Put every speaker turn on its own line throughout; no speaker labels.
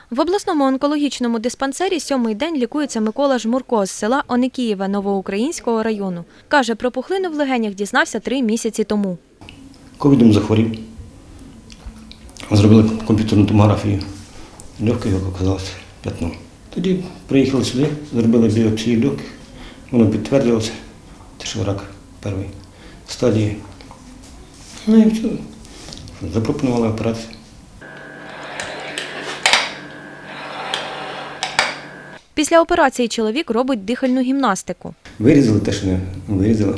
В обласному онкологічному диспансері 7-й день лікується Микола Жмурко з села Оникієве Новоукраїнського району. Каже, про пухлину в легенях дізнався 3 місяці тому.
Ковідом захворів. Зробили комп'ютерну томографію. Легких оказалося п'ятно. Тоді приїхали сюди, зробили біопсію легких. Воно підтвердилося, що рак першої стадії. Ну і все. Запропонували операцію.
Після операції чоловік робить дихальну гімнастику.
Вирізали те, що не вирізали.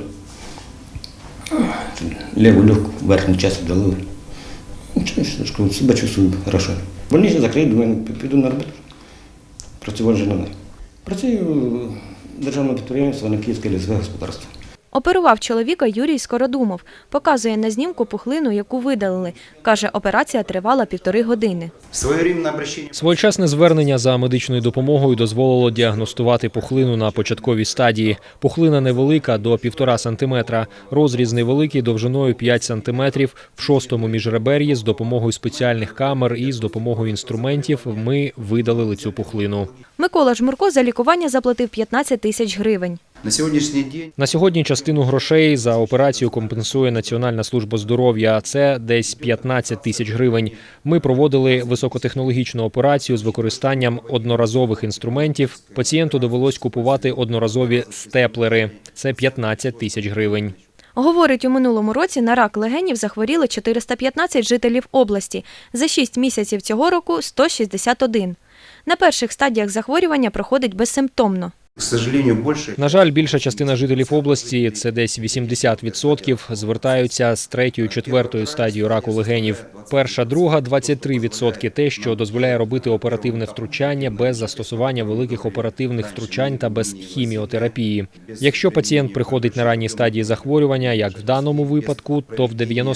Ліву легку верхню частину дали. Нічого, себе чувствую добре. Больницю закрию, думаю, піду на роботу. Працювати вже не треба. Працюю в державному підприємстві Оникіївське лісове господарство.
Оперував чоловіка Юрій Скородумов. Показує на знімку пухлину, яку видалили. Каже, операція тривала 1,5 години.
Своєчасне звернення за медичною допомогою дозволило діагностувати пухлину на початковій стадії. Пухлина невелика, до 1,5 см. Розріз невеликий, довжиною 5 см. В 6-му міжребер'ї з допомогою спеціальних камер і з допомогою інструментів ми видалили цю пухлину.
Микола Жмурко за лікування заплатив 15 тисяч гривень.
На сьогодні частину грошей за операцію компенсує Національна служба здоров'я. Це десь 15 тисяч гривень. Ми проводили високотехнологічну операцію з використанням одноразових інструментів. Пацієнту довелось купувати одноразові степлери. Це 15 тисяч гривень.
Говорить, у минулому році на рак легенів захворіли 415 жителів області. За 6 місяців цього року – 161. На перших стадіях захворювання проходить безсимптомно.
На жаль, більша частина жителів області, це десь 80%, звертаються з 3-4 стадією раку легенів. Перша, друга – 23% те, що дозволяє робити оперативне втручання без застосування великих оперативних втручань та без хіміотерапії. Якщо пацієнт приходить на ранній стадії захворювання, як в даному випадку, то в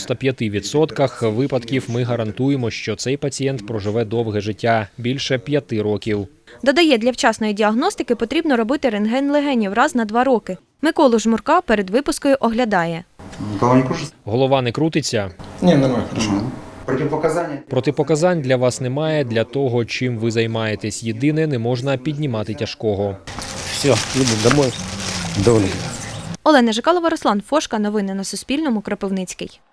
95% випадків ми гарантуємо, що цей пацієнт проживе довге життя – більше 5 років.
Додає, для вчасної діагностики потрібно робити рентген легенів раз на 2 роки. Миколу Жмурка перед випискою оглядає.
Голова не крутиться?
Ні, нормально, хорошо.
Протипоказань для вас немає, для того, чим ви займаєтесь. Єдине, не можна піднімати тяжкого.
Все, їду домой. Доволі.
Олена Жикалова, Руслан Фошка. Новини на Суспільному. Кропивницький.